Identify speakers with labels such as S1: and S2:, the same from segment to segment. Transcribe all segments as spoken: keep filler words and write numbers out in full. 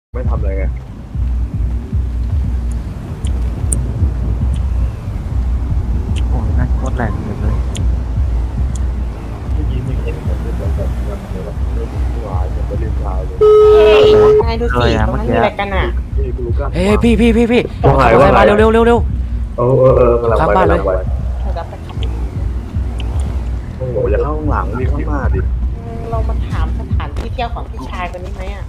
S1: ไม่ทำอะไรไง
S2: โอ้ยน่าโคตรแรงเลยเลย
S1: เมื่อกี้มีคนคนที่แบบแบบแบบแบบแบบเรื่องที่วายจะไปเรียนชายเลย
S3: นายดูสิตรงนั้นมีอะไรกันอ่ะ
S1: พี่กูรู้กัน
S4: เฮ้ยพี่พี่พี่พี่
S1: ว่าไง
S4: ขับ
S1: ว่าไง
S4: มาเร็วเร็วเร็วเร็ว
S1: เออเออเออกำลัง
S4: ข้าง
S1: ไป
S4: บ้านเลย
S1: กำลังไป
S3: เราจะไปขับ
S1: โอ้โหอย่าเข้าข้างหลังรีบเข้ามาดิ
S3: เรามาถามสถานที่เที่ยวของพี่ชายคนนี้ไหมอ่ะ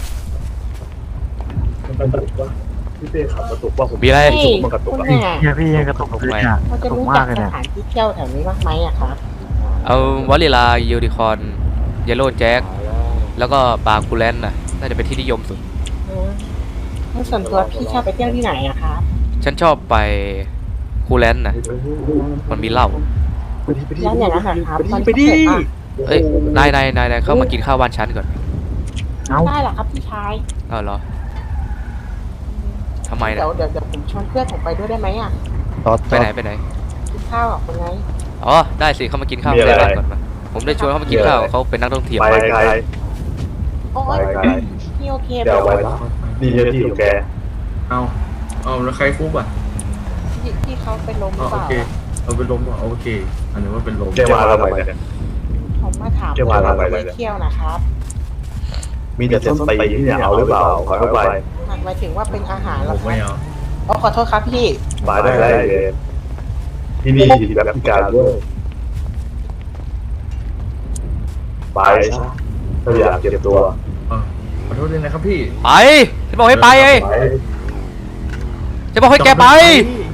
S1: มันกระตุกว่าพี่เต้ขับกระตุกว่าผม
S4: มีอะไร
S3: นี่
S1: มันกระตุก
S3: คุณ
S1: อะ
S3: เนี่ย
S2: เนี่ยพี่ยังกระตุกเลยอ่ะ
S3: เรา
S2: ก
S3: จะ
S2: ระตุก
S3: รู้
S2: มา
S3: จั
S2: ก
S3: ก
S2: เลย
S3: ส
S2: เนี่ย
S3: ถานที่เที่ยวแถวนี้บ้างไหมอ่ะครับ
S4: เอาวอลเลลายูนิคอนเยลโล่แจ็คแล้วก็ปลาคูแลนน่ะน่าจะเป็นที่นิยมสุด
S3: อืมแล้วส่วนตัวพี่ชอบไปเที่ยวที่ไหนอะครับ
S4: ฉันชอบไปคูแลนน่ะมันมีเหล้า
S1: ไปดิไปดิ
S3: แล้วอย่างนั้นเหรอครับ
S1: ไปดิ
S3: มัน
S4: เอ้ยนายนายนายนายเข้ามากินข้าวบ้านฉันก่อน
S2: เอ้า
S3: ได้เหรอครับพี่ชาย
S4: เอาเหรอทำไมนะ
S3: เดี๋ยวเดี๋ยวเดี๋ยวผมชวนเพื่อนผมไปด้วยได้ไหมอ่ะ
S2: ต่อ
S4: ไปไหนไปไหน
S3: กินข้าวกับคนไง
S4: อ๋อได้สิเข้ามากินข้าวในบ้านก่อนมาผมได้ชวนเขามากินข้าวเขาเป็นนักท่องเที่ยว
S1: ไปไกล
S3: โอ้
S1: ไป
S3: ย
S1: ไกล
S3: พี่โอเคไหม
S1: เดี๋ยวไว้นะนี่ที่ของแก
S5: เอาเอาแล้วใครฟุบอ่ะ
S3: พี่พี่เขาไปล้มหรือ
S5: เอา
S3: เป
S5: โอ
S3: ล่า
S5: เคเอาเป็นลมอ่ะโอเค อันนี้ว่าเป็นลม
S1: แกมาทำไมเนี่ย
S3: ผมมาถาม
S1: เที่ยวมาทำไม
S3: ไป
S1: เนี่ย
S3: เที่ยวนะครับ
S1: มีแต่ส้นตีนที่เนี่ยเอาหรือเปล่าขอเข้าไป
S3: หมายถึงว่าเป็นอาหารเหร
S5: ผ
S3: อ
S5: ม
S3: ค
S5: ไม่
S3: รับ
S5: เอา
S3: อ๋อขอโทษครับพี่
S1: มาได้ไรเลยที่นี่แบบพิการด้วยไปซะถ้าอยากเจ็บตัว
S5: เออขอโทษด้วยนะครับพี่
S4: ไปฉันบอกให้ไปไงฉันบอกให้แกไป
S5: จอดรถ